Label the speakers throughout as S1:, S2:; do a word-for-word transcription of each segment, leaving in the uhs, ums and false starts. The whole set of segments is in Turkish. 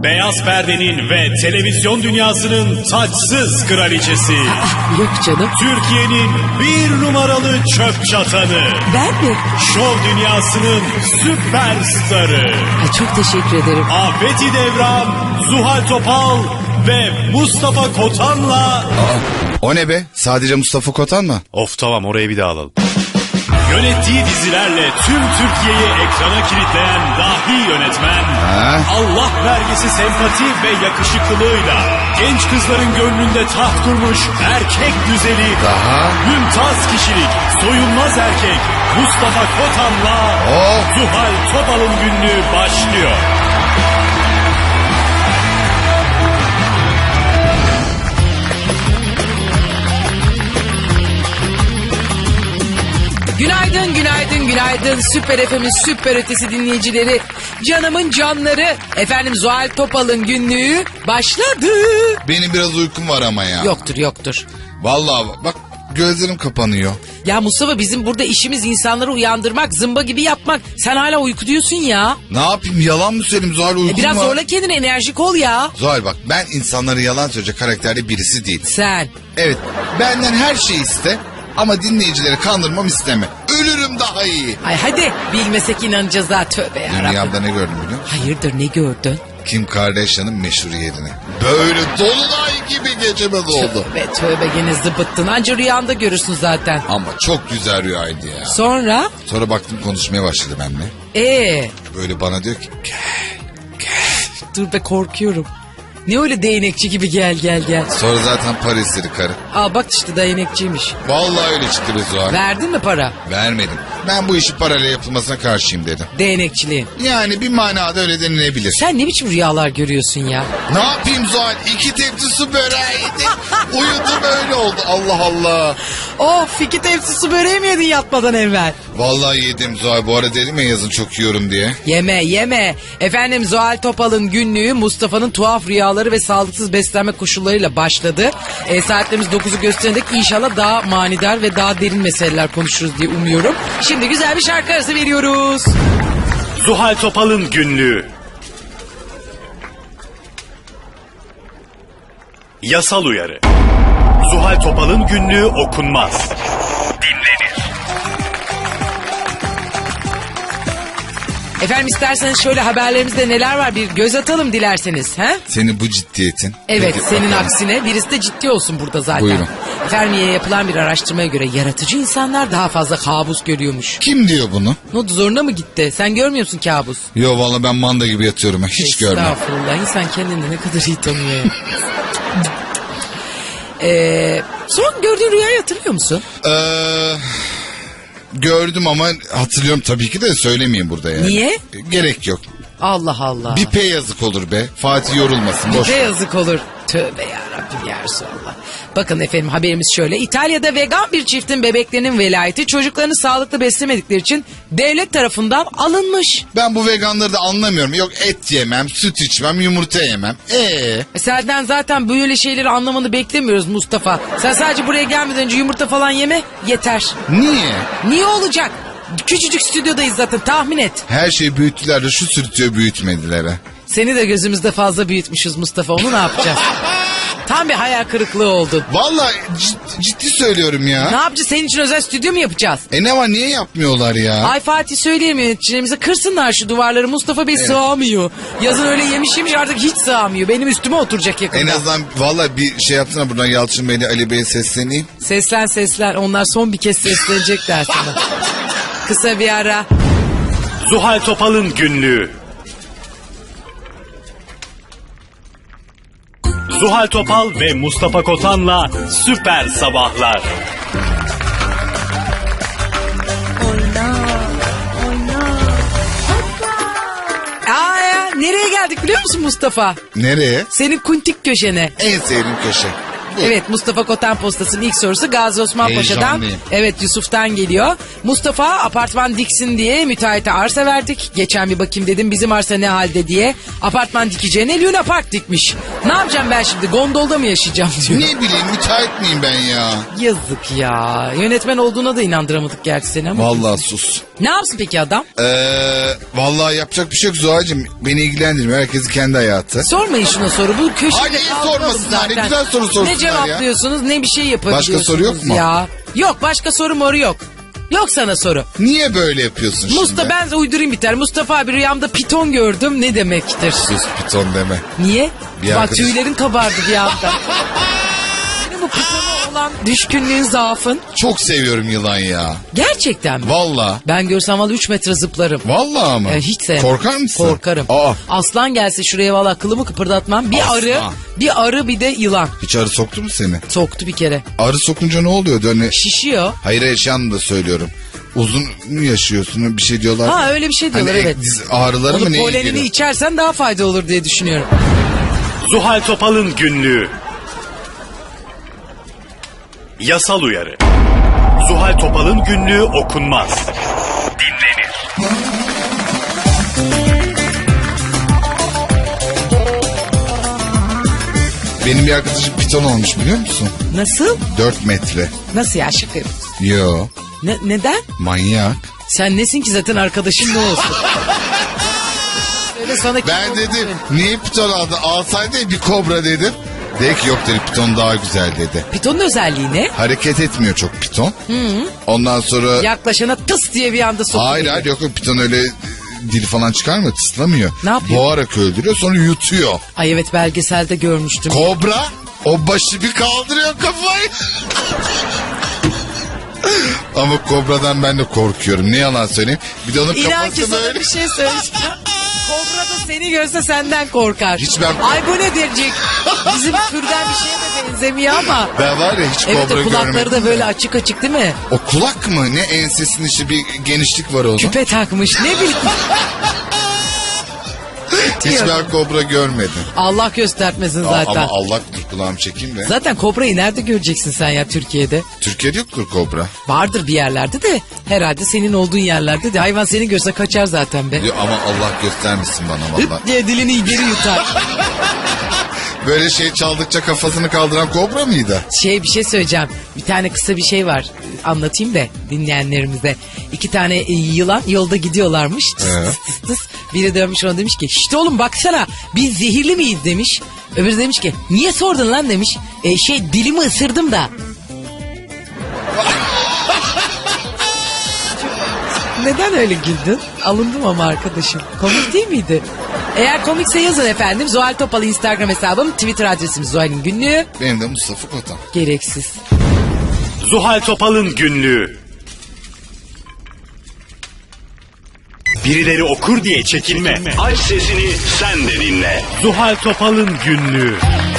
S1: Beyaz perdenin ve televizyon dünyasının taçsız kraliçesi.
S2: Yok canım.
S1: Türkiye'nin bir numaralı çöp çatanı.
S2: Ben mi?
S1: Şov dünyasının süperstarı.
S2: Ay, çok teşekkür ederim.
S1: Afeti Devran, Zuhal Topal ve Mustafa Kotan'la...
S3: Aa, o ne be? Sadece Mustafa Kotan mı?
S1: Of tamam, orayı bir daha alalım. Yönettiği dizilerle tüm Türkiye'yi ekrana kilitleyen dahi yönetmen,
S3: Ha?
S1: Allah vergisi sempati ve yakışıklılığıyla genç kızların gönlünde taht kurmuş erkek güzeli,
S3: Daha?
S1: mümtaz kişilik, soyunmaz erkek Mustafa Kotan'la
S3: Oh!
S1: Zuhal Topal'ın günlüğü başlıyor.
S2: Günaydın, günaydın, günaydın. Süper F M'in süper ötesi dinleyicileri. Canımın canları. Efendim Zuhal Topal'ın günlüğü başladı.
S3: Benim biraz uykum var ama ya.
S2: Yoktur, yoktur.
S3: Vallahi bak gözlerim kapanıyor.
S2: Ya Mustafa, bizim burada işimiz insanları uyandırmak, zımba gibi yapmak. Sen hala uyku diyorsun ya.
S3: Ne yapayım, yalan mı söyleyeyim Zuhal, uykum
S2: E biraz
S3: var.
S2: zorla kendini, enerjik ol ya.
S3: Zuhal bak, ben insanları yalan söyleyecek karakterde birisi değilim.
S2: Sen.
S3: Evet, benden her şeyi iste ama dinleyicileri kandırmam isteme. Ölürüm daha iyi.
S2: Ay hadi, bilmesek inanacağız ha, tövbe yarabbim.
S3: Dünyamda ne gördüm biliyor musun?
S2: Hayırdır, ne gördün?
S3: Kim Kardashian'ın meşhuriyetini. Böyle dolunay gibi geceme doldu.
S2: Tövbe tövbe, gene zıbıttın. Anca rüyanda görürsün zaten.
S3: Ama çok güzel rüyaydı ya.
S2: Sonra?
S3: Sonra baktım konuşmaya başladı benimle.
S2: Ee,
S3: Böyle bana diyor ki
S2: dur be, korkuyorum. Ne öyle değnekçi gibi gel gel gel.
S3: sonra zaten para istedi karı.
S2: Aa bak işte, değnekçiymiş.
S3: Vallahi öyle çıktı be Zuhal.
S2: Verdin mi para?
S3: Vermedim. Ben bu işi parayla yapılmasına karşıyım dedim.
S2: Değnekçiliğin.
S3: Yani bir manada öyle denilebilir.
S2: Sen ne biçim rüyalar görüyorsun ya?
S3: Ne yapayım Zuhal? İki tepsi su böreği yedim. Uyudum, öyle oldu. Allah Allah.
S2: Of, iki tepsi su böreği mi yedin yatmadan evvel?
S3: Vallahi yedim Zuhal. Bu ara dedim ya yazın çok yiyorum diye.
S2: Yeme yeme. Efendim Zuhal Topal'ın günlüğü Mustafa'nın tuhaf rüyaları ve sağlıksız beslenme koşullarıyla başladı. E, saatlerimiz dokuzu göstererek inşallah daha manidar ve daha derin meseleler konuşuruz diye umuyorum. Şimdi güzel bir şarkı arası veriyoruz.
S1: Zuhal Topal'ın günlüğü. Yasal uyarı. Zuhal Topal'ın günlüğü okunmaz. Dinlenir.
S2: Efendim isterseniz şöyle haberlerimizde neler var bir göz atalım dilerseniz. He?
S3: Senin bu ciddiyetin.
S2: Evet,
S3: Peki,
S2: senin
S3: bakalım.
S2: aksine birisi de ciddi olsun burada zaten.
S3: Buyurun.
S2: Fermi'ye yapılan bir araştırmaya göre yaratıcı insanlar daha fazla kabus görüyormuş.
S3: Kim diyor bunu?
S2: Ne oldu, zoruna mı gitti? Sen görmüyor musun kabus?
S3: Yo vallahi ben manda gibi yatıyorum. Hiç görmem.
S2: Estağfurullah, insan kendini ne kadar iyi tanıyor ya. ee, son gördüğün rüyayı hatırlıyor musun?
S3: Eee... Gördüm ama hatırlıyorum tabii ki de söylemeyeyim burada yani.
S2: Niye?
S3: Gerek yok.
S2: Allah Allah.
S3: Bir P yazık olur be. Fatih yorulmasın. Boş.
S2: Ne yazık olur. Tövbe yarabbim ya Resulallah. Bakın efendim, haberimiz şöyle. İtalya'da vegan bir çiftin bebeklerinin velayeti çocuklarını sağlıklı beslemedikleri için devlet tarafından alınmış.
S3: Ben bu veganları da anlamıyorum. Yok et yemem, süt içmem, yumurta yemem. Eee?
S2: E senden zaten böyle şeyleri anlamanı beklemiyoruz Mustafa. Sen sadece buraya gelmeden önce yumurta falan yeme, yeter.
S3: Niye?
S2: Niye olacak? Küçücük stüdyodayız zaten, tahmin et.
S3: Her şeyi büyüttüler de şu sürtüyor büyütmediler ha.
S2: Seni de gözümüzde fazla büyütmüşüz Mustafa, onu ne yapacağız? Tam bir hayal kırıklığı oldun.
S3: Vallahi cid- ciddi söylüyorum ya.
S2: Ne yapacağız, senin için özel stüdyo mu yapacağız?
S3: E ne var, niye yapmıyorlar ya?
S2: Ay Fatih, söyleyeyim yöneticilerimize kırsınlar şu duvarları, Mustafa Bey sığamıyor. Yazın öyle yemiş yemiş artık hiç sığamıyor. Benim üstüme oturacak yakında.
S3: En azından vallahi bir şey yapsana, buradan Yalçın Bey'le Ali Bey'e sesleneyim.
S2: Seslen seslen, onlar son bir kez seslenecekler sana. Kısa bir ara.
S1: Zuhal Topal'ın günlüğü. Zuhal Topal ve Mustafa Kotan'la Süper Sabahlar.
S2: Aa ya, nereye geldik biliyor musun Mustafa?
S3: Nereye?
S2: Senin kuntik köşene.
S3: En sevdiğim köşe. bu.
S2: Evet, Mustafa Kotan Postası'nın ilk sorusu Gazi Osman Paşa'dan.
S3: Heyecanlıyım.
S2: Evet, Yusuf'tan geliyor. Mustafa, apartman diksin diye müteahhite arsa verdik. Geçen bir bakayım dedim bizim arsa ne halde diye. Apartman dikeceğine Luna Park dikmiş. Ne yapacağım ben şimdi, gondolda mı yaşayacağım diyor.
S3: Ne bileyim, müteahhit miyim ben ya?
S2: Yazık ya. Yönetmen olduğuna da inandıramadık gerçi seni ama.
S3: Vallahi sus.
S2: Ne yapsın peki adam?
S3: Eee vallahi yapacak bir şey yok Zuhal'cığım. Beni ilgilendirmiyor. Herkesin kendi hayatı.
S2: Sormayın şuna soru. Bu köşede
S3: Ay, neyi
S2: kalkalım
S3: sormasınlar, ne
S2: zaten.
S3: güzel soru sorsunlar
S2: Ne
S3: ya.
S2: cevaplıyorsunuz ne bir şey yapabiliyorsunuz
S3: Başka soru yok mu?
S2: ya. Yok, başka soru moru yok. Yok sana soru.
S3: Niye böyle yapıyorsun şimdi?
S2: Mustafa, ben de uydurayım biter. Mustafa abi, rüyamda piton gördüm, ne demektir?
S3: Sus, piton deme.
S2: Niye?
S3: Bir
S2: Bak
S3: arkadaş-
S2: tüylerin kabardı bir anda. Senin bu pitona olan düşkünlüğün, zaafın.
S3: Çok seviyorum yılan ya.
S2: Gerçekten mi?
S3: Vallahi.
S2: Ben görsem valla üç metre zıplarım.
S3: Vallahi mı?
S2: Ee, hiç sevmem.
S3: Korkar mısın?
S2: Korkarım.
S3: Aa.
S2: Aslan gelse şuraya valla kılımı kıpırdatmam. Bir
S3: Aslan.
S2: arı, bir arı bir de yılan.
S3: Hiç arı soktu mu seni?
S2: Soktu bir kere.
S3: Arı sokunca ne oluyordu? Hani
S2: Şişiyor.
S3: hayır, yaşayan da söylüyorum. Uzun mu yaşıyorsun? Bir şey diyorlar.
S2: Ha, öyle bir şey diyorlar,
S3: hani
S2: evet.
S3: diz ağrıları
S2: Onu
S3: mı, ne
S2: polenini
S3: ilgili?
S2: içersen daha fayda olur diye düşünüyorum.
S1: Zuhal Topal'ın günlüğü. Yasal uyarı. Zuhal Topal'ın günlüğü okunmaz. Dinlenir.
S3: Benim bir arkadaşım piton olmuş, biliyor musun?
S2: Nasıl?
S3: dört metre.
S2: Nasıl ya, şaka yapıyorsun?
S3: Yo,
S2: Ne, neden?
S3: manyak.
S2: Sen nesin ki zaten arkadaşın ne olsun? Öyle sana kim
S3: Ben
S2: olsun?
S3: dedim niye piton aldı? Alsaydı bir kobra dedim. Dedi ki yok dedi, piton daha güzel dedi.
S2: Pitonun özelliği ne?
S3: Hareket etmiyor çok piton. Ondan sonra...
S2: Yaklaşana tıs diye bir anda sokuyor.
S3: Hayır hayır, yok yok, piton öyle dili falan çıkarmıyor, tıslamıyor.
S2: Ne yapıyor?
S3: Boğarak öldürüyor, sonra yutuyor.
S2: Ay evet, belgeselde görmüştüm.
S3: Kobra o başı bir kaldırıyor kafayı. Ama kobradan ben de korkuyorum, ne yalan söyleyeyim. Bir de onun
S2: İnan ki
S3: kafası
S2: sana
S3: böyle.
S2: bir şey söyleyeceğim. Kobra da seni görse senden korkar.
S3: Hiç ben-
S2: Ay bu ne diyecek? Bizim türden bir şeye de benzemiyor ama.
S3: Ben var ya hiç
S2: Evet,
S3: kobra
S2: o kulakları
S3: görmedim.
S2: da böyle açık açık değil mi?
S3: O kulak mı? Ne, ensesinin içi bir genişlik var onun.
S2: Küpe takmış, ne bileyim.
S3: Hiç ben kobra görmedim.
S2: Allah göstermesin
S3: Aa,
S2: zaten.
S3: ama Allah dur, kulağımı çekeyim de.
S2: Zaten kobrayı nerede göreceksin sen ya Türkiye'de?
S3: Türkiye'de yoktur kobra.
S2: Vardır bir yerlerde de, herhalde senin olduğun yerlerde de. Hayvan seni görse kaçar zaten be.
S3: Diyor, ama Allah göstermesin bana valla.
S2: Hıp diye dilini geri yutar.
S3: Böyle şey çaldıkça kafasını kaldıran kobra mıydı?
S2: Şey, bir şey söyleyeceğim. Bir tane kısa bir şey var. Anlatayım da dinleyenlerimize. İki tane e, yılan yolda gidiyorlarmış. Tıs
S3: Ee?
S2: tıs tıs tıs. Biri dönmüş ona demiş ki işte oğlum baksana biz zehirli miyiz demiş. Öbürü demiş ki niye sordun lan demiş. E, şey dilimi ısırdım da. Neden öyle güldün? Alındım ama arkadaşım. Komik değil miydi? Eğer komikse yazın efendim. Zuhal Topal Instagram hesabım. Twitter adresimiz Zuhal'in günlüğü.
S3: Benim de Mustafa Kotan.
S2: Gereksiz.
S1: Zuhal Topal'ın günlüğü. Birileri okur diye çekinme. Aç sesini sen de dinle. Zuhal Topal'ın günlüğü.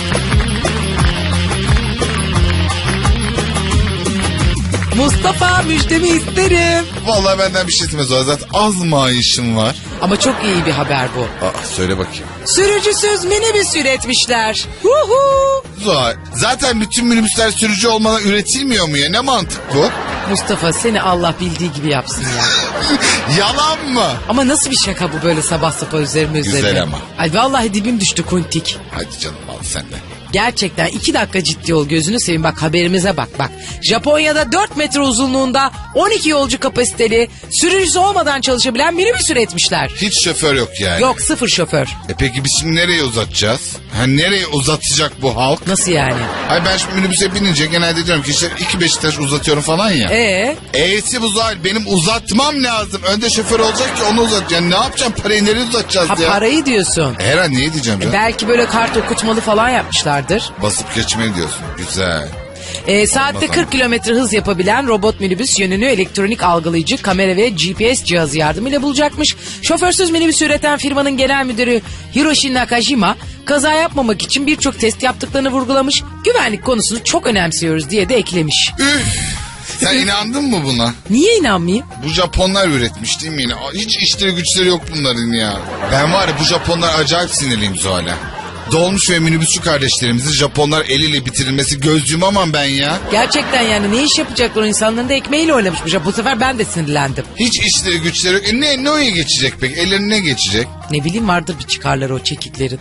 S2: Mustafa, müjdemi isterim.
S3: Vallahi benden bir şey istemez o. Zaten az maaşım var.
S2: Ama çok iyi bir haber bu.
S3: Aa, söyle bakayım.
S2: Sürücüsüz minibüs üretmişler. Huhu.
S3: Zuhal, zaten bütün minibüsler sürücü olmadan üretilmiyor mu ya? Ne mantık bu?
S2: Mustafa, seni Allah bildiği gibi yapsın ya.
S3: Yalan mı?
S2: Ama nasıl bir şaka bu böyle sabah sabah üzerime
S3: Güzel
S2: üzerime.
S3: ama.
S2: Ay vallahi dibim düştü kuntik.
S3: Hadi canım, al sen de.
S2: Gerçekten iki dakika ciddi ol, gözünü seveyim, bak haberimize bak bak. Japonya'da dört metre uzunluğunda on iki yolcu kapasiteli, sürücüsü olmadan çalışabilen minibüs üretmişler.
S3: Hiç şoför yok yani.
S2: Yok, sıfır şoför.
S3: E peki biz şimdi nereye uzatacağız? Ha, nereye uzatacak bu halk?
S2: Nasıl yani?
S3: Ay ben şimdi minibüse binince genelde diyorum ki işte iki Beşiktaş uzatıyorum falan ya.
S2: Ee,
S3: E'si bu Zuhal, benim uzatmam lazım. Önde şoför olacak ki onu uzat. Yani ne yapacağım, parayı nereye uzatacağız
S2: ha
S3: ya?
S2: parayı diyorsun.
S3: Her an niye diyeceğim canım?
S2: Belki böyle kart okutmalı falan yapmışlardır.
S3: Basıp geçmeyi diyorsun. Güzel.
S2: Ee, saatte kırk kilometre hız yapabilen robot minibüs yönünü elektronik algılayıcı kamera ve G P S cihazı yardımıyla bulacakmış. Şoförsüz minibüs üreten firmanın genel müdürü Hiroshi Nakajima kaza yapmamak için birçok test yaptıklarını vurgulamış. Güvenlik konusunu çok önemsiyoruz diye de eklemiş.
S3: Üf. Sen inandın mı buna?
S2: Niye inanmayayım?
S3: Bu Japonlar üretmiş değil mi yine? Hiç işleri güçleri yok bunların ya. Ben var ya, bu Japonlar acayip sinirliyim Zuhal'e. Dolmuş ve minibüsçü kardeşlerimizi Japonlar eliyle bitirilmesi göz yumamam ben ya.
S2: Gerçekten yani ne iş yapacaklar o insanların da ekmeğiyle oynamışmış. Bu sefer ben de sinirlendim.
S3: Hiç işleri güçleri yok. E ne, ne oya geçecek peki? Ellerine ne geçecek?
S2: Ne bileyim vardır bir çıkarları o çekiklerin.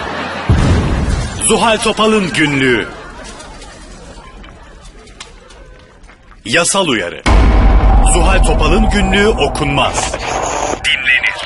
S1: Zuhal Topal'ın günlüğü. Yasal uyarı. Zuhal Topal'ın günlüğü okunmaz. Dinlenir.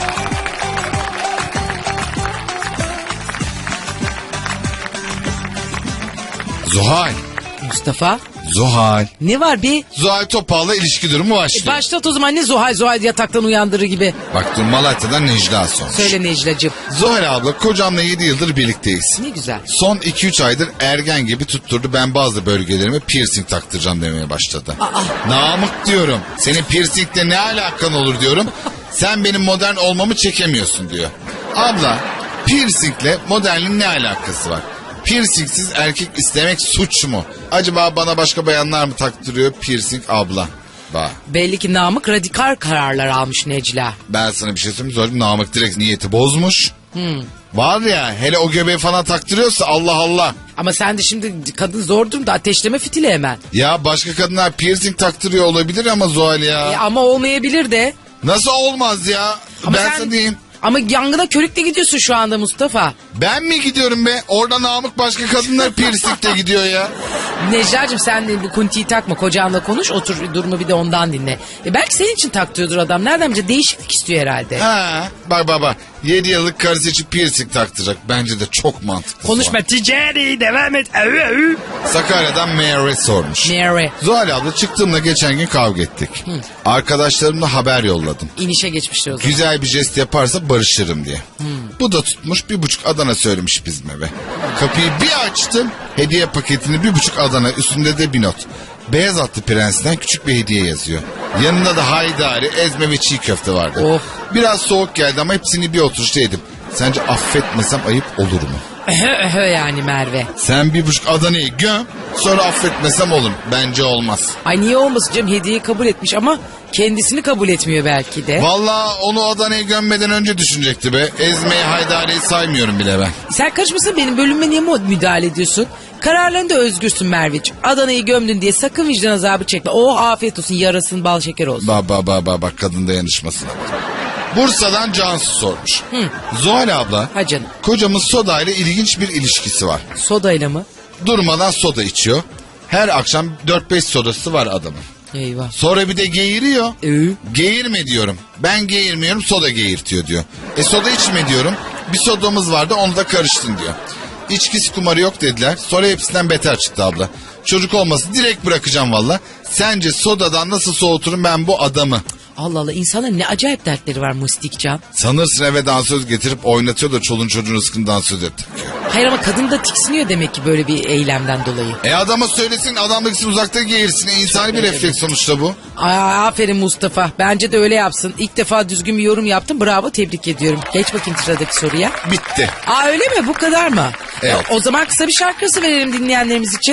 S3: Zuhal.
S2: Mustafa
S3: Zuhal.
S2: ne var bir?
S3: Zuhal Topal'la ilişki durumu başlıyor.
S2: Başlat o zaman ne Zuhal Zuhal yataktan uyandırır gibi.
S3: Bak dur Malatya'dan Necla sormuş.
S2: Söyle Necla'cığım.
S3: Zuhal abla kocamla yedi yıldır birlikteyiz.
S2: Ne güzel.
S3: Son iki üç aydır ergen gibi tutturdu, ben bazı bölgelerime piercing taktıracağım demeye başladı.
S2: Aa.
S3: Namık diyorum, senin piercingle ne alakan olur diyorum. Sen benim modern olmamı çekemiyorsun diyor. Abla piercingle modernliğin ne alakası var? Piercingsiz erkek istemek suç mu? Acaba bana başka bayanlar mı taktırıyor piercing abla? Bak
S2: Belli ki Namık radikal kararlar almış Necla.
S3: ben sana bir şey söyleyeyim. Söyleyeyim, Namık direkt niyeti bozmuş.
S2: Hmm.
S3: Var ya hele o göbeği falan taktırıyorsa Allah Allah.
S2: Ama sen de şimdi kadın zor durumda ateşleme fitili hemen.
S3: Ya başka kadınlar piercing taktırıyor olabilir ama Zuhal ya.
S2: E, ama olmayabilir de.
S3: Nasıl olmaz ya?
S2: Ama
S3: ben
S2: sen-
S3: sana diyeyim.
S2: Ama yangına körükle gidiyorsun şu anda Mustafa.
S3: Ben mi gidiyorum be? Orada Namık başka kadınlar piercing'te gidiyor ya.
S2: Necla'cığım sen de bu kuntiyi takma kocanla konuş otur durumu bir de ondan dinle. E belki senin için taktıyordur adam nereden bilecek değişiklik istiyor herhalde.
S3: Ha, bak bak bak. yedi yıllık karısı için piercing taktıracak. Bence de çok mantıklı.
S2: Konuşma
S3: Zuhal.
S2: ticari devam et. Avı, avı.
S3: Sakarya'dan Mary sormuş.
S2: Mary
S3: Zuhal abla çıktığımda geçen gün kavga ettik. Arkadaşlarımla haber yolladım.
S2: inişe geçmiştir o zaman.
S3: Güzel bir jest yaparsa barışırım diye. Bu da tutmuş bir buçuk Adana söylemiş bizim eve. Kapıyı bir açtım. Hediye paketini bir buçuk Adana, üstünde de bir not. Beyaz atlı prensten küçük bir hediye yazıyor. Yanında da haydari, ezme ve çiğ köfte vardı.
S2: Of.
S3: Biraz soğuk geldi ama hepsini bir oturuşta yedim. Sence affetmesem ayıp olur mu?
S2: Öhö öhö yani Merve.
S3: Sen bir buçuk Adana'yı göm, sonra affetmesem olur. Bence olmaz.
S2: Ay niye olmasın canım hediyeyi kabul etmiş ama kendisini kabul etmiyor belki de.
S3: Vallahi onu Adana'ya gömmeden önce düşünecekti be. Ezmeyi haydariyi saymıyorum bile ben.
S2: Sen karışmasın benim bölümüme niye mu- müdahale ediyorsun? Kararlarında özgürsün Merveciğim. Adana'yı gömdün diye sakın vicdan azabı çekme. Oh afiyet olsun yarasın bal şeker olsun.
S3: Ba ba ba ba bak kadın dayanışmasına. Bursa'dan Cansu sormuş. Zuhal abla,
S2: Ha canım.
S3: kocamın soda ile ilginç bir ilişkisi var.
S2: Sodayla mı?
S3: Durmadan soda içiyor. Her akşam dört beş sodası var adamın.
S2: Eyvah.
S3: Sonra bir de geğiriyor.
S2: Ee?
S3: Geğirme diyorum. Ben geğirmiyorum, soda geğirtiyor diyor. E soda içme diyorum. Bir sodamız vardı, onu da karıştın diyor. İçkisi kumarı yok dediler. Sonra hepsinden beter çıktı abla. Çocuk olması direkt bırakacağım valla. Sence sodadan nasıl soğuturum ben bu adamı?
S2: Allah Allah insanların ne acayip dertleri var Mustikcan.
S3: Sanırsın eve dansöz getirip oynatıyor da çolun çocuğun rızkını dansöz et.
S2: Hayır ama kadın da tiksiniyor demek ki böyle bir eylemden dolayı.
S3: E adama söylesin, adam da gitsin uzakta geğirsin. E, insani bir refleks sonuçta bu.
S2: Aa, aferin Mustafa. Bence de öyle yapsın. İlk defa düzgün bir yorum yaptın. Bravo tebrik ediyorum. Geç bakayım sıradaki soruya.
S3: Bitti.
S2: Aa öyle mi? Bu kadar mı?
S3: Evet.
S2: O zaman kısa bir şarkısı verelim dinleyenlerimiz için.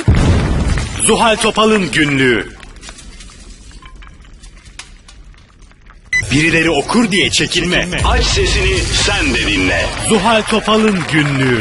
S1: Zuhal Topal'ın günlüğü. Birileri okur diye çekinme. Aç sesini sen de dinle. Zuhal Topal'ın günlüğü.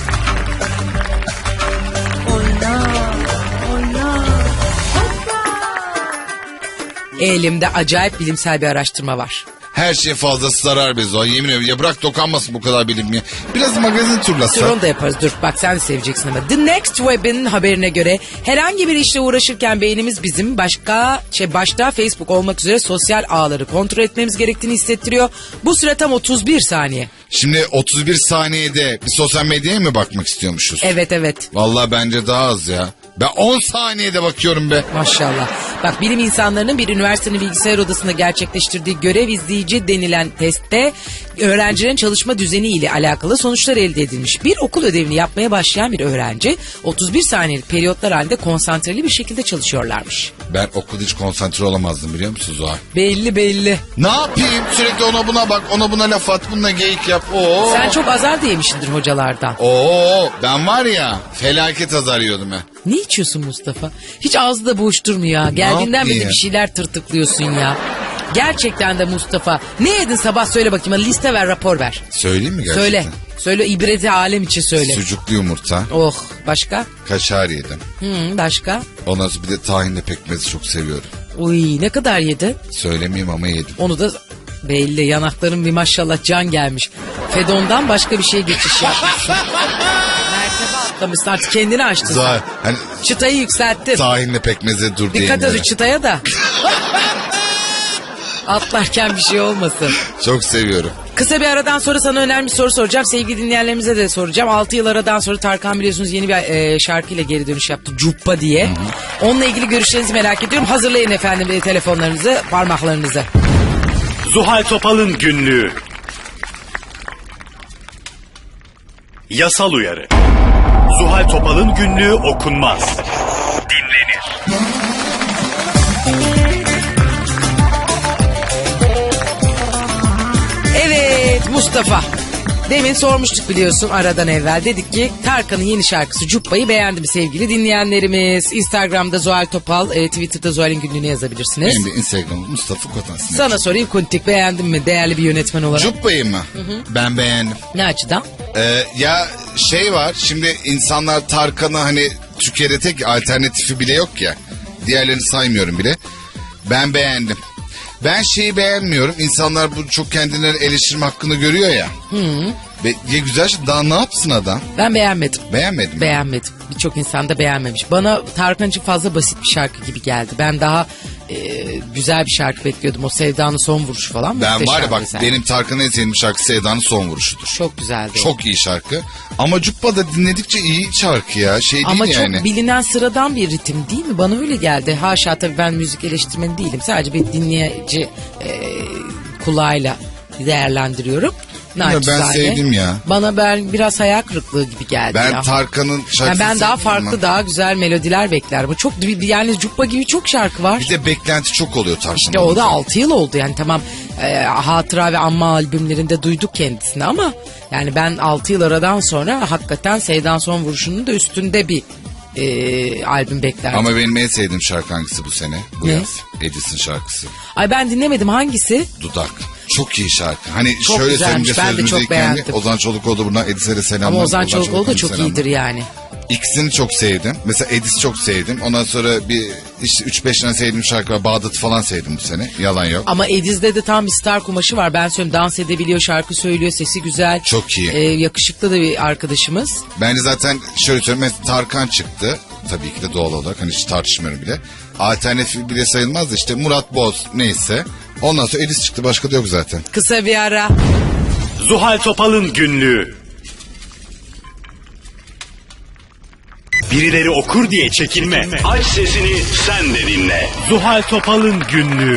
S2: Elimde acayip bilimsel bir araştırma var.
S3: Her şey fazlası zarar be Zuhal. Yemin ediyorum ya, bırak dokanmasın bu kadar bilim ya. Biraz magazin
S2: Dur
S3: turlasa.
S2: onu da yaparız. Dur bak sen de seveceksin ama. The Next Web'in haberine göre herhangi bir işle uğraşırken beynimiz bizim başka şey başta Facebook olmak üzere sosyal ağları kontrol etmemiz gerektiğini hissettiriyor. Bu süre tam otuz bir saniye.
S3: Şimdi otuz bir saniyede bir sosyal medyaya mı bakmak istiyormuşuz?
S2: Evet evet.
S3: Vallahi bence daha az ya. Ben on saniyede bakıyorum be.
S2: Maşallah. Bak bilim insanlarının bir üniversitenin bilgisayar odasında gerçekleştirdiği görev izleyici denilen testte öğrencilerin çalışma düzeni ile alakalı sonuçlar elde edilmiş. Bir okul ödevini yapmaya başlayan bir öğrenci otuz bir saniyelik periyotlar halinde konsantreli bir şekilde çalışıyorlarmış.
S3: Ben okulda hiç konsantre olamazdım biliyor musun Zuhal?
S2: Belli belli.
S3: Ne yapayım? Sürekli ona buna bak, ona buna laf at, bununla geyik yap. Oo.
S2: Sen çok azar da yemişsindir hocalardan.
S3: Oo, ben var ya felaket azar yiyordum ya.
S2: Ne içiyorsun Mustafa? Hiç ağzı da boş durmuyor ya. Geldiğinden beri
S3: yapayım?
S2: bir şeyler tırtıklıyorsun ya. Gerçekten de Mustafa. Ne yedin sabah söyle bakayım. Hadi liste ver, rapor ver.
S3: Söyleyeyim mi gerçekten?
S2: Söyle. Söyle, ibreti alem için söyle.
S3: Sucuklu yumurta,
S2: Oh, başka?
S3: kaşar yedim.
S2: Hı, başka?
S3: Ondan sonra bir de tahinli pekmezi çok seviyorum.
S2: Uy, ne kadar yedin?
S3: Söylemeyeyim ama yedim.
S2: Onu da belli, yanakların bir maşallah can gelmiş. Fedon'dan başka bir şey geçiş yapmışsın. Mertebe atlamışsın, artık kendini açtın.
S3: Zahir, hani
S2: Çıtayı yükselttin.
S3: tahinli pekmeze dur diye.
S2: Dikkat et o çıtaya da. Atlarken bir şey olmasın.
S3: Çok seviyorum.
S2: Kısa bir aradan sonra sana önemli bir soru soracağım. Sevgili dinleyenlerimize de soracağım. altı yıl aradan sonra Tarkan biliyorsunuz yeni bir e, şarkıyla geri dönüş yaptı. Cuppa diye. Hı hı. Onunla ilgili görüşlerinizi merak ediyorum. Hazırlayın efendim e, telefonlarınızı, parmaklarınızı.
S1: Zuhal Topal'ın günlüğü. Yasal uyarı. Zuhal Topal'ın günlüğü okunmaz. Dinlenir.
S2: Evet Mustafa. Demin sormuştuk biliyorsun aradan evvel. Dedik ki Tarkan'ın yeni şarkısı Cuppa'yı beğendi mi sevgili dinleyenlerimiz? Instagram'da Zuhal Topal, e, Twitter'da Zuhal'in günlüğünü yazabilirsiniz.
S3: Benim de Instagram'ım Mustafa Kotansin.
S2: Sana sorayım Kuntik, beğendin mi değerli bir yönetmen olarak?
S3: Cuppa'yı mı? Hı hı. Ben beğendim.
S2: Ne açıdan?
S3: Ee, ya şey var, şimdi insanlar Tarkan'ı hani Türkiye'de tek alternatifi bile yok ya. Diğerlerini saymıyorum bile. Ben beğendim. Ben şeyi beğenmiyorum. İnsanlar bu çok kendilerini eleştirme hakkını görüyor ya. Hı. Ve ya güzel şey, daha ne yapsın adam?
S2: Ben beğenmedim.
S3: Beğenmedim.
S2: Beğenmedim. Birçok insan da beğenmemiş. Bana Tarkan için fazla basit bir şarkı gibi geldi. Ben daha e, güzel bir şarkı bekliyordum. O Sevda'nın son vuruşu falan.
S3: Ben var ya bak
S2: güzel.
S3: benim Tarkan'ın en sevdiğim şarkı Sevda'nın son vuruşudur.
S2: Çok güzeldi.
S3: Çok iyi şarkı. Ama Cuppa da dinledikçe iyi şarkı ya. Şey değil
S2: Ama
S3: yani.
S2: çok bilinen sıradan bir ritim değil mi? Bana öyle geldi. Haşa tabii ben müzik eleştirmeni değilim. Sadece bir dinleyici e, kulağıyla değerlendiriyorum.
S3: Ya ben sevdim ya.
S2: Bana ben biraz hayal kırıklığı gibi geldi
S3: Ben
S2: ya.
S3: Tarkan'ın şarkısını
S2: Yani ben daha
S3: sevdim
S2: farklı,
S3: ama.
S2: daha güzel melodiler bekler. Bu çok yani Cuppa gibi çok şarkı var.
S3: Bir de beklenti çok oluyor Tarkan'ın.
S2: İşte o da altı yıl oldu yani tamam e, Hatıra ve Anma albümlerinde duyduk kendisini ama yani ben altı yıl aradan sonra hakikaten Sevda'nın son vuruşunun da üstünde bir e, albüm beklerdim.
S3: Ama benim en sevdiğim şarkı hangisi bu sene? Bu
S2: Ne?
S3: yaz. Edis'in şarkısı.
S2: Ay ben dinlemedim, hangisi?
S3: Dudak. Çok iyi şarkı. Hani
S2: Çok
S3: şöyle
S2: güzelmiş,
S3: söyleyince
S2: ben de çok
S3: sözümüzdeki
S2: beğendim.
S3: kendi Ozan Çolukoğlu buradan Edis'e de selamlar.
S2: Ama Ozan Çolakoğlu da çok
S3: selamlar.
S2: iyidir yani.
S3: İkisini çok sevdim. Mesela Edis çok sevdim. Ondan sonra bir işte üç beş tane sevdiğim şarkı var. Bağdat'ı falan sevdim bu sene. Yalan yok.
S2: Ama Ediz'de de tam bir star kumaşı var. Ben söyleyeyim, dans edebiliyor, şarkı söylüyor, sesi güzel.
S3: Çok iyi.
S2: Ee, yakışıklı da bir arkadaşımız.
S3: Bence zaten şöyle söyleyeyim. Mesela Tarkan çıktı. Tabii ki de doğal olarak. Hani hiç tartışmıyorum bile. Alternatif bile sayılmaz da işte Murat Boz neyse. Ondan sonra Edis çıktı. Başka da yok zaten.
S2: Kısa bir ara.
S1: Zuhal Topal'ın günlüğü. Birileri okur diye çekinme. Aç sesini sen de dinle. Zuhal Topal'ın günlüğü.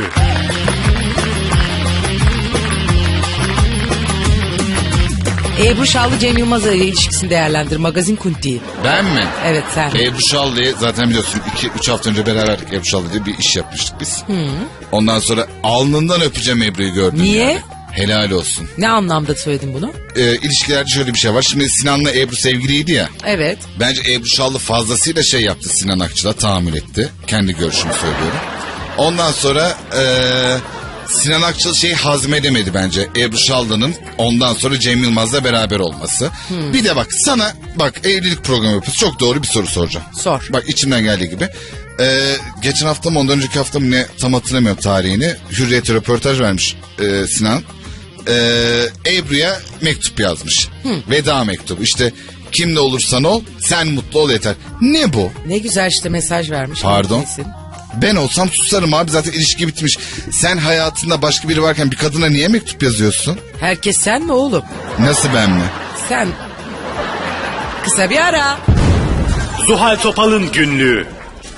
S2: Ebru Şallı Cem Yılmaz'la ilişkisini değerlendir. Magazin Kunti.
S3: Ben mi?
S2: Evet sen.
S3: Ebru Şallı'yı zaten biliyorsun iki üç hafta önce beraberdik. Ebru Şallı diye bir iş yapmıştık biz. Ondan sonra alnından öpeceğim Ebru'yu gördüm.
S2: Niye?
S3: Yani. Helal olsun.
S2: Ne anlamda söyledin bunu?
S3: Ee, ilişkilerde şöyle bir şey var. Şimdi Sinan'la Ebru sevgiliydi ya.
S2: Evet.
S3: Bence Ebru Şallı fazlasıyla şey yaptı, Sinan Akçıl'a tahammül etti. Kendi görüşümü söylüyorum. Ondan sonra ee, Sinan Akçıl şeyi hazmedemedi bence. Ebru Şallı'nın ondan sonra Cem Yılmaz'la beraber olması. Hmm. Bir de bak sana bak evlilik programı yapıyoruz. Çok doğru bir soru soracağım.
S2: Sor.
S3: Bak içimden geldiği gibi. Ee, geçen hafta mı ondan önceki hafta mı ne tam hatırlamıyorum tarihini. Hürriyet'e röportaj vermiş ee, Sinan. Ee, Ebru'ya mektup yazmış. Hı. Veda mektubu. İşte kimle olursan ol, sen mutlu ol yeter. Ne bu?
S2: Ne güzel işte mesaj vermiş.
S3: Pardon.
S2: Kesin.
S3: Ben olsam susarım abi, zaten ilişki bitmiş. Sen hayatında başka biri varken bir kadına niye mektup yazıyorsun?
S2: Herkes sen mi oğlum?
S3: Nasıl ben mi?
S2: Sen. Kısa bir ara.
S1: Zuhal Topal'ın günlüğü.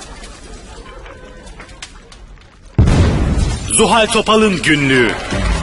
S1: Zuhal Topal'ın günlüğü.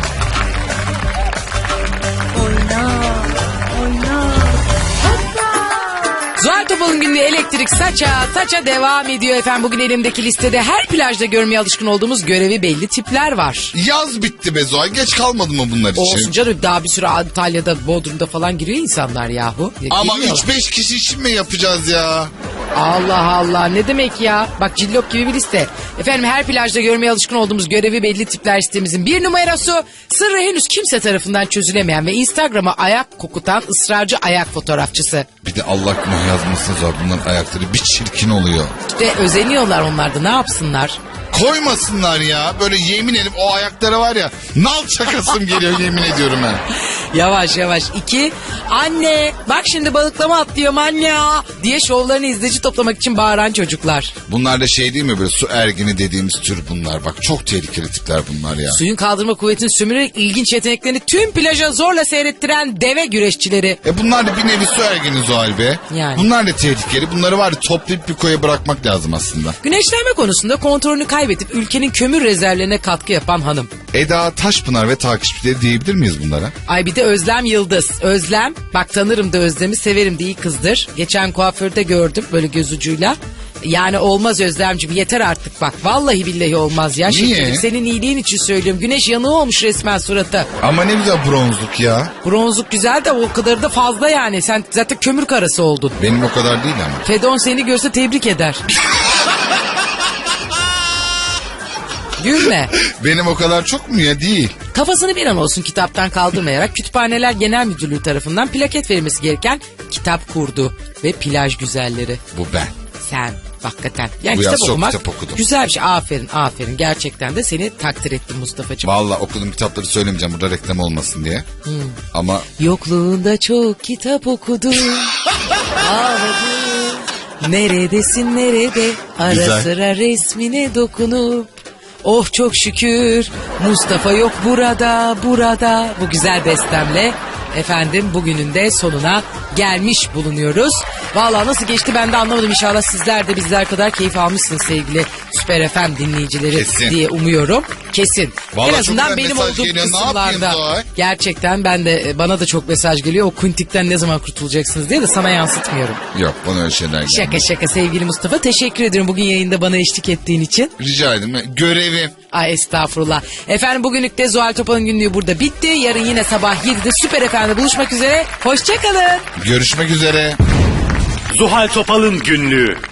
S2: Zuhal Topal'ın günlüğü elektrik saça saça devam ediyor efendim. Bugün elimdeki listede her plajda görmeye alışkın olduğumuz görevi belli tipler var.
S3: Yaz bitti be Zuhal, geç kalmadı mı bunlar için?
S2: Olsun canım, daha bir sürü Antalya'da, Bodrum'da falan giriyor insanlar yahu. Ya
S3: Ama
S2: girmiyorlar.
S3: üç beş kişi için mi yapacağız ya?
S2: Allah Allah, ne demek ya? Bak, cillop gibi bir liste. Efendim, her plajda görmeye alışkın olduğumuz görevi belli tipler sitemizin bir numarası, sırrı henüz kimse tarafından çözülemeyen ve Instagram'a ayak kokutan ısrarcı ayak fotoğrafçısı.
S3: Bir de Allah günah yazmasın zor. Bunların ayakları bir çirkin oluyor.
S2: İşte özeniyorlar onlar da, ne yapsınlar?
S3: Koymasınlar ya. Böyle yemin edip o ayaklara var ya, nal çakasım geliyor yemin ediyorum ben.
S2: Yavaş yavaş. İki, anne bak şimdi balıklama atlıyorum anne diye şovlarını izleyici toplamak için bağıran çocuklar.
S3: Bunlar da şey değil mi, böyle su ergini dediğimiz tür bunlar. Bak çok tehlikeli tipler bunlar ya.
S2: Suyun kaldırma kuvvetini sömürerek ilginç yeteneklerini tüm plaja zorla seyrettiren deve güreşçileri.
S3: E bunlar da bir nevi su ergini Zuhal be.
S2: Yani.
S3: Bunlar da tehlikeli. Bunları var ya toplayıp bir koya bırakmak lazım aslında.
S2: Güneşlenme konusunda kontrolünü kaybedip ülkenin kömür rezervlerine katkı yapan hanım.
S3: Eda Taşpınar ve takipçileri diyebilir miyiz bunlara?
S2: Ay bir de Özlem Yıldız. Özlem, bak tanırım da Özlem'i, severim de, iyi kızdır. Geçen kuaförde gördüm böyle göz ucuyla. Yani olmaz Özlemciğim, yeter artık bak. Vallahi billahi olmaz ya.
S3: Niye?
S2: Şekerim, senin iyiliğin için söylüyorum. Güneş yanığı olmuş resmen suratı.
S3: Ama ne güzel bronzluk ya.
S2: Bronzluk güzel de o kadar da fazla yani. Sen zaten kömür karası oldun.
S3: Benim o kadar değil ama.
S2: Fedon seni görse tebrik eder. Gülme.
S3: Benim o kadar çok mu ya? Değil.
S2: Kafasını bir an olsun kitaptan kaldırmayarak Kütüphaneler Genel Müdürlüğü tarafından plaket verilmesi gereken kitap kurdu. Ve plaj güzelleri.
S3: Bu ben.
S2: Sen hakikaten. Yani
S3: Bu
S2: kitap
S3: yaz çok
S2: okumak
S3: kitap okudum.
S2: güzel bir şey. Aferin aferin. Gerçekten de seni takdir ettim Mustafa'cığım.
S3: Vallahi okuduğum kitapları söylemeyeceğim burada reklam olmasın diye. Hmm. Ama
S2: Yokluğunda çok kitap okudum. Ağladım. Neredesin nerede? Ara
S3: Güzel.
S2: sıra resmine dokunup. Oh çok şükür Mustafa yok burada burada. Bu güzel bestemle efendim bugünün de sonuna gelmiş bulunuyoruz. Vallahi nasıl geçti ben de anlamadım. İnşallah sizler de bizler kadar keyif almışsınız sevgili Süper F M dinleyicileri
S3: Kesin.
S2: diye umuyorum. Kesin.
S3: Vallahi
S2: en
S3: çok
S2: azından
S3: güzel
S2: benim
S3: mesaj
S2: olduğum
S3: geliyor. Ne
S2: kısımlarda.
S3: yapayım Zuhal?
S2: Gerçekten ben de, bana da çok mesaj geliyor. O kuntikten ne zaman kurtulacaksınız diye de sana yansıtmıyorum.
S3: yok bana öyle şeyler gelmiyor.
S2: Şaka şaka sevgili Mustafa. Teşekkür ediyorum bugün yayında bana eşlik ettiğin için.
S3: Rica ederim. Görevim.
S2: Ay estağfurullah. Efendim bugünlük de Zuhal Topal'ın günlüğü burada bitti. Yarın yine sabah yedide Süper F M'de buluşmak üzere. Hoşçakalın.
S3: Görüşmek üzere.
S1: Zuhal Topal'ın günlüğü.